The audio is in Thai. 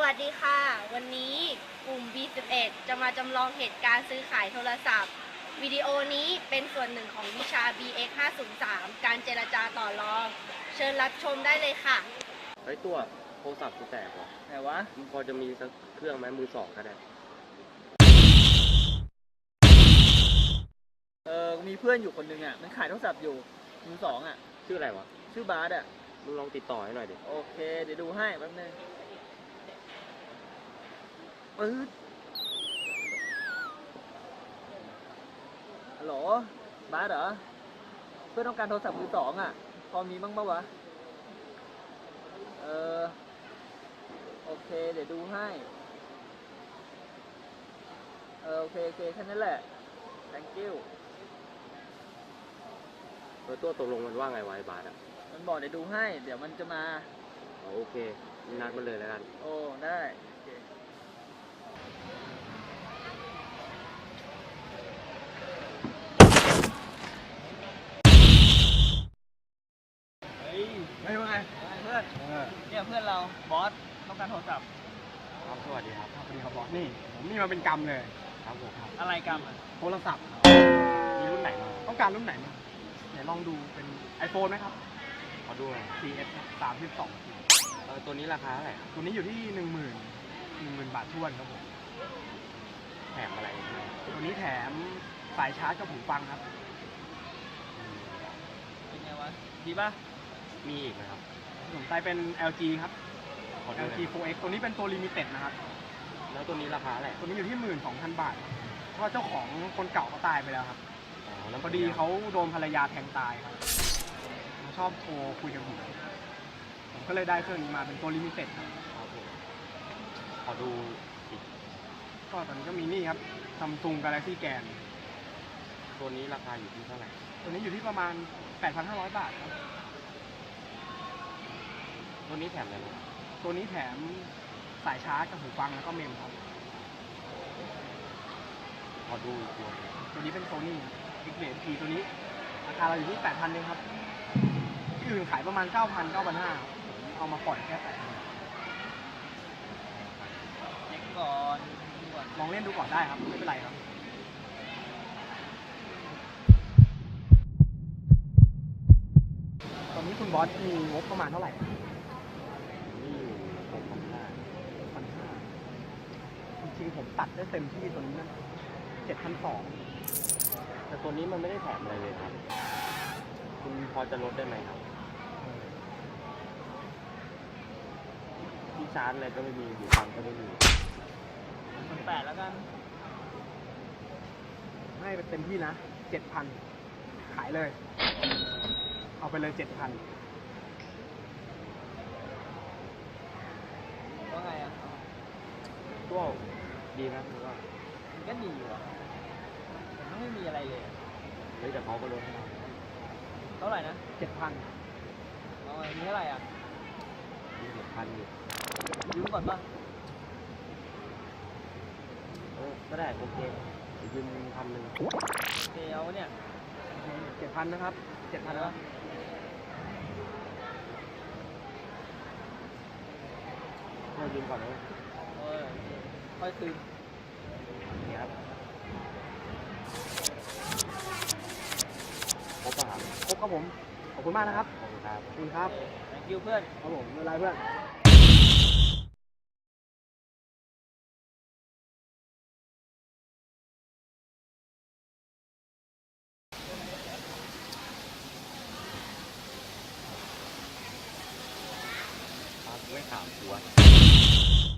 วัสดีค่ะวันนี้กลุ่ม B11 จะมาจำลองเหตุการณ์ซื้อขายโทรศัพท์วิดีโอนี้เป็นส่วนหนึ่งของวิชา BX 503การเจรจาต่อรองเชิญรับชมได้เลยค่ะเฮ้ยตัวโทรศัพท์กูแตกว่ะไหนวะมึงพอจะมีสักเครื่องไหมมือสองก็ได้มีเพื่อนอยู่คนหนึ่งอ่ะมันขายโทรศัพท์อยู่มือสองอ่ะชื่ออะไรวะชื่อบาสอ่ะมึงลองติดต่อให้หน่อยดิโอเคเดี๋ยวดูให้แป๊บนึงปึ๊ดฮัลโหลบาสเหรอเพื่อนต้องการโทรศัพท์มือสองอ่ะพอมีบ้างปะวะโอเคเดี๋ยวดูให้โอเคแค่นั้นแหละ thank you ตัวตกลงมันว่าไงวะไอ้บาสอ่ะมันบอกเดี๋ยวดูให้เดี๋ยวมันจะมาโอเคนัดมันเลยแล้วกันโอ้ได้โอเคไม่ว่าไงเพื่อนเนี่ยเพื่อนเราบอสต้องการโทรศัพท์ครับสวัสดีครับสวัสดีครับบอสนี่ผมมีมาเป็นกรรมเลยครับผมครับอะไรกันโทรศัพท์มีรุ่นไหนมาต้องการรุ่นไหนมาไหนลองดูเป็น iPhone ไหมครับขอดูหน่อย 4S 32 ตัวนี้ราคาเท่าไหร่ตัวนี้อยู่ที่10,000 บาททวนครับผมแถมอะไรตัวนี้แถมสายชาร์จกับหูฟังครับเป็นไงวะดีป่ะมีอีกไหมครับสนใจเป็น LG ครับ LG 4X ตัวนี้เป็นตัว Limited นะครับแล้วตัวนี้ราคาเท่าไหร่ตัวนี้อยู่ที่12,000 บาทเพราะเจ้าของคนเก่าเขาตายไปแล้วครับพอดีเขาโดนภรรยาแทงตายครับชอบโทรคุยกับผมก็เลยได้เครื่องนี้มาเป็นตัวลิมิเต็ดครับผมขอดูอีกก็ตอนนี้ก็มีนี่ครับ Samsung Galaxy Grand ตัวนี้ราคาอยู่ที่เท่าไหร่ตัวนี้อยู่ที่ประมาณ 8,500 บาทครับตัวนี้แถมอะไรบ้างตัวนี้แถมสายชาร์จกับหูฟังแล้วก็เมมครับขอดูตัวนี้เป็น Sony Xperia P ตัวนี้ราคาเราอยู่ที่ 8,000 เองครับที่อื่นขายประมาณ 9,000 9,500เอามาปล่อยแค่ 8,000 เช็คก่อนลองเล่นดูก่อนได้ครับไม่เป็นไรครับตอนนี้คุณบอสมีงบประมาณเท่าไหร่นี่อยู่6,500 จริงๆผมตัดได้เต็มที่ตัวนี้นะ7,200 แต่ตัวนี้มันไม่ได้แถมอะไรเลยครับคุณพอจะลดได้ไหมครับที่ชาร์จอะไรก็ไม่มีหูฟังก็ไม่มี 8แล้วกันให้ไปเต็มที่นะ 7,000 ขายเลยเอาไปเลย 7,000 ว่าไงอ่ะตัวดีนะคือว่ามันก็ดีว่ะแต่ไม่มีอะไรเลยเฮ้ยแต่เขาก็ลดให้เราเท่าไหร่นะ 7,000 เอาไงมีเท่าไหร่อ่ะมี6,000อยู่ยืมก่อนป่ะก็ได้โอเคยืม1,000 โอเคเอาเนี่ย 7,000นะครับ 7,000แล้วก็ยืมก่อนเลยค่อยคืนนี่ครับครบป่ะครับครบครับผมขอบคุณมากนะครับขอบคุณครับขอบคุณครับ thank you เพื่อนครับผมไม่เป็นไรเพื่อนไม่ถามกู